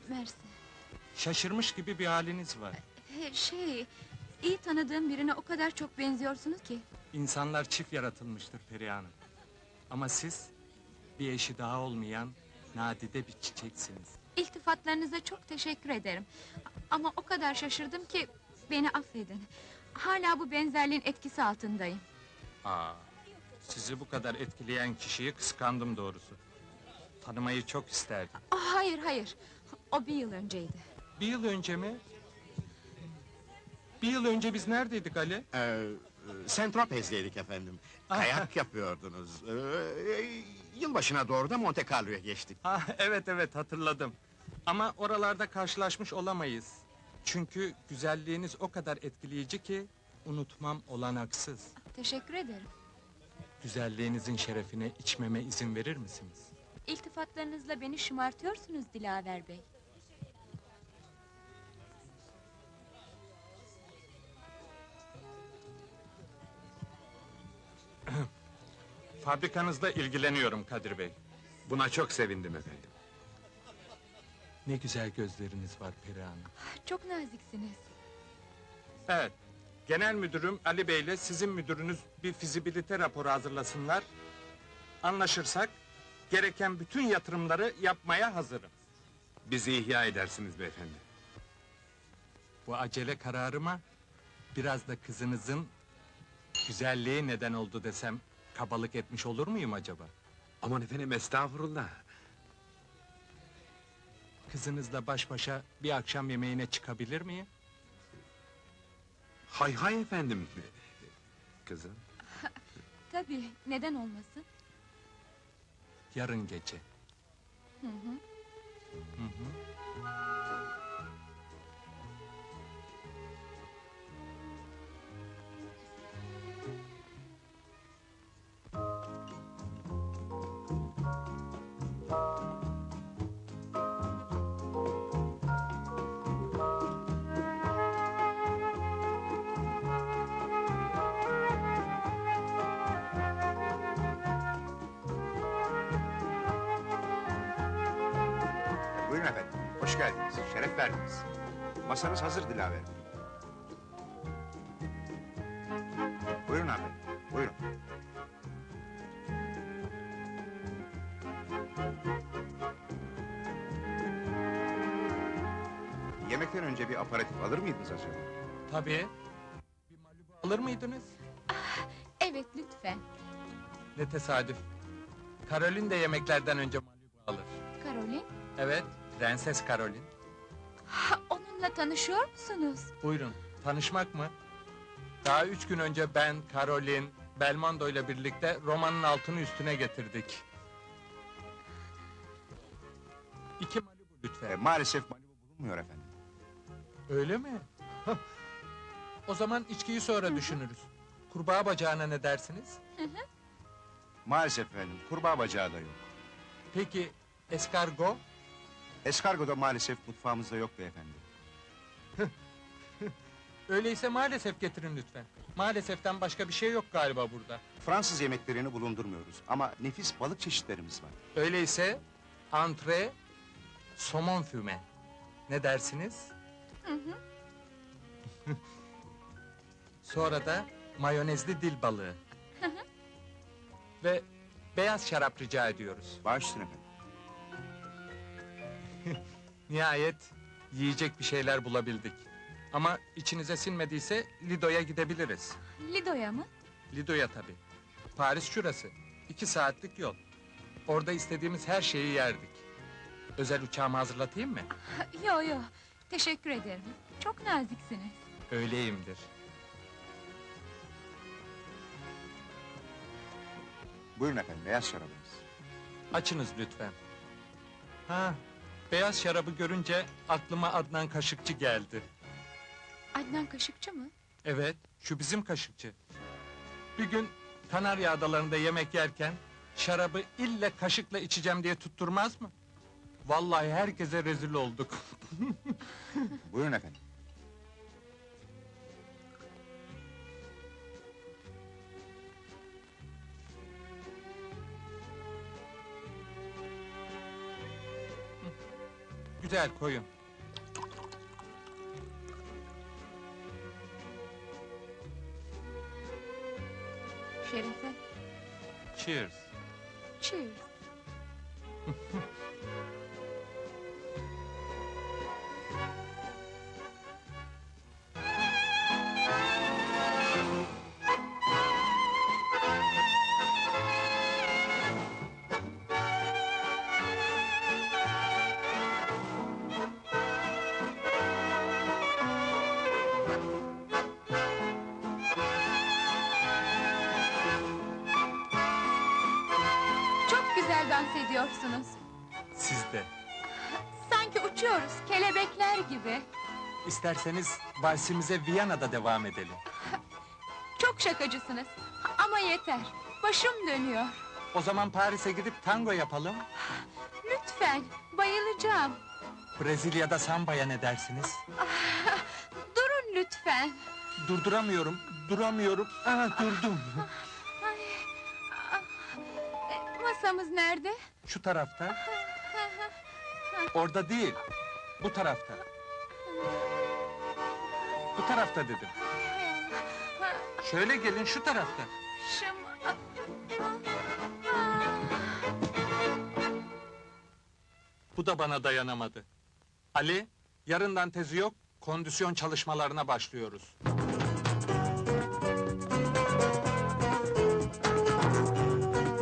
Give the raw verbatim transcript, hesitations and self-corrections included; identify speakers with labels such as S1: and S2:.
S1: Mersi.
S2: Şaşırmış gibi bir haliniz var.
S1: He, Şey, iyi tanıdığım birine o kadar çok benziyorsunuz ki.
S2: İnsanlar çift yaratılmıştır Perihan Hanım. Ama siz, bir eşi daha olmayan nadide bir çiçeksiniz.
S1: İltifatlarınıza çok teşekkür ederim. Ama o kadar şaşırdım ki beni affedin. Hala bu benzerliğin etkisi altındayım.
S2: Aa, sizi bu kadar etkileyen kişiyi kıskandım doğrusu. Tanımayı çok isterdim.
S1: Ah, hayır hayır, o bir yıl önceydi.
S2: Bir yıl önce mi? Bir yıl önce biz neredeydik Ali?
S3: Ee, Saint-Tropez'deydik efendim. Kayak yapıyordunuz. Ee, yılbaşına doğru da Monte Carlo'ya geçtik.
S2: Ha, evet evet hatırladım. Ama oralarda karşılaşmış olamayız. Çünkü güzelliğiniz o kadar etkileyici ki unutmam olanaksız.
S1: Teşekkür ederim.
S2: Güzelliğinizin şerefine içmeme izin verir misiniz?
S1: İltifatlarınızla beni şımartıyorsunuz Dilaver Bey.
S2: Fabrikanızda ilgileniyorum Kadir Bey.
S4: Buna çok sevindim efendim.
S2: Ne güzel gözleriniz var Perihan Hanım.
S1: Çok naziksiniz.
S2: Evet, genel müdürüm Ali Bey ile sizin müdürünüz bir fizibilite raporu hazırlasınlar. Anlaşırsak, gereken bütün yatırımları yapmaya hazırım.
S4: Bizi ihya edersiniz beyefendi.
S2: Bu acele kararıma, biraz da kızınızın güzelliği neden oldu desem, kabalık etmiş olur muyum acaba?
S4: Aman efendim estağfurullah.
S2: Kızınızla baş başa bir akşam yemeğine çıkabilir miyim?
S4: Hay hay efendim. Kızım.
S1: Tabii, neden olmasın?
S2: Yarın gece.
S1: Hı hı.
S2: Hı hı.
S3: Buyurun efendim, hoş geldiniz, şeref verdiniz. Masanız hazır Dilaver Bey. Buyurun efendim, buyurun. Yemekten önce bir aparatif alır mıydınız acaba?
S2: Tabii. Bir Malibu alır mıydınız?
S1: Evet, lütfen.
S2: Ne tesadüf. Karolin de yemeklerden önce Malibu alır.
S1: Karolin,
S2: Evet, Prenses Karolin.
S1: ha, onunla tanışıyor musunuz?
S2: Buyurun, tanışmak mı? Daha üç gün önce ben, Karolin, Belmondo ile birlikte romanın altını üstüne getirdik. İki Malibu
S3: E,
S2: lütfen.
S3: maalesef Malibu bulunmuyor efendim.
S2: Öyle mi? O zaman içkiyi sonra düşünürüz. Kurbağa bacağına ne dersiniz?
S3: Maalesef efendim, kurbağa bacağı da yok.
S2: Peki, eskargo?
S3: Eskargo da maalesef mutfağımızda yok beyefendi.
S2: Öyleyse maalesef getirin lütfen. Maaleseften başka bir şey yok galiba burada.
S3: Fransız yemeklerini bulundurmuyoruz ama nefis balık çeşitlerimiz var.
S2: Öyleyse, antre, somon füme. Ne dersiniz?
S1: Hı hı.
S2: Sonra da mayonezli dil balığı. Ve beyaz şarap rica ediyoruz.
S3: Baş üstüne efendim.
S2: Nihayet yiyecek bir şeyler bulabildik. Ama içinize sinmediyse Lido'ya gidebiliriz.
S1: Lido'ya mı?
S2: Lido'ya tabii. Paris şurası. İki saatlik yol. Orada istediğimiz her şeyi yerdik. Özel uçağımı hazırlatayım mı?
S1: Ha, Yo yo, teşekkür ederim. Çok naziksiniz.
S2: Öyleyimdir.
S3: Buyurun efendim, beyaz şarabınız.
S2: Açınız lütfen. Ha, beyaz şarabı görünce aklıma Adnan Kaşıkçı geldi.
S1: Adnan Kaşıkçı mı?
S2: Evet, şu bizim kaşıkçı. Bir gün Kanarya Adaları'nda yemek yerken şarabı ille kaşıkla içeceğim diye tutturmaz mı? Vallahi herkese rezil olduk.
S3: Buyurun efendim.
S2: güzel koyun.
S1: Şerefe,
S2: Cheers.
S1: cheers. Çok güzel dans ediyorsunuz.
S2: Siz de.
S1: Sanki uçuyoruz, kelebekler gibi.
S2: İsterseniz valsimize Viyana'da devam edelim.
S1: Çok şakacısınız. Ama yeter, başım dönüyor.
S2: O zaman Paris'e gidip tango yapalım.
S1: Lütfen, bayılacağım.
S2: Brezilya'da sambaya ne dersiniz?
S1: Durun lütfen.
S2: Durduramıyorum, duramıyorum. Aha, durdum.
S1: Ay, ah, e, masamız nerede?
S2: Şu tarafta. Orada değil, bu tarafta. Bu tarafta dedim. Şöyle gelin, şu tarafta.
S1: Şım...
S2: Bu da bana dayanamadı. Ali, yarından tezi yok, kondisyon çalışmalarına başlıyoruz.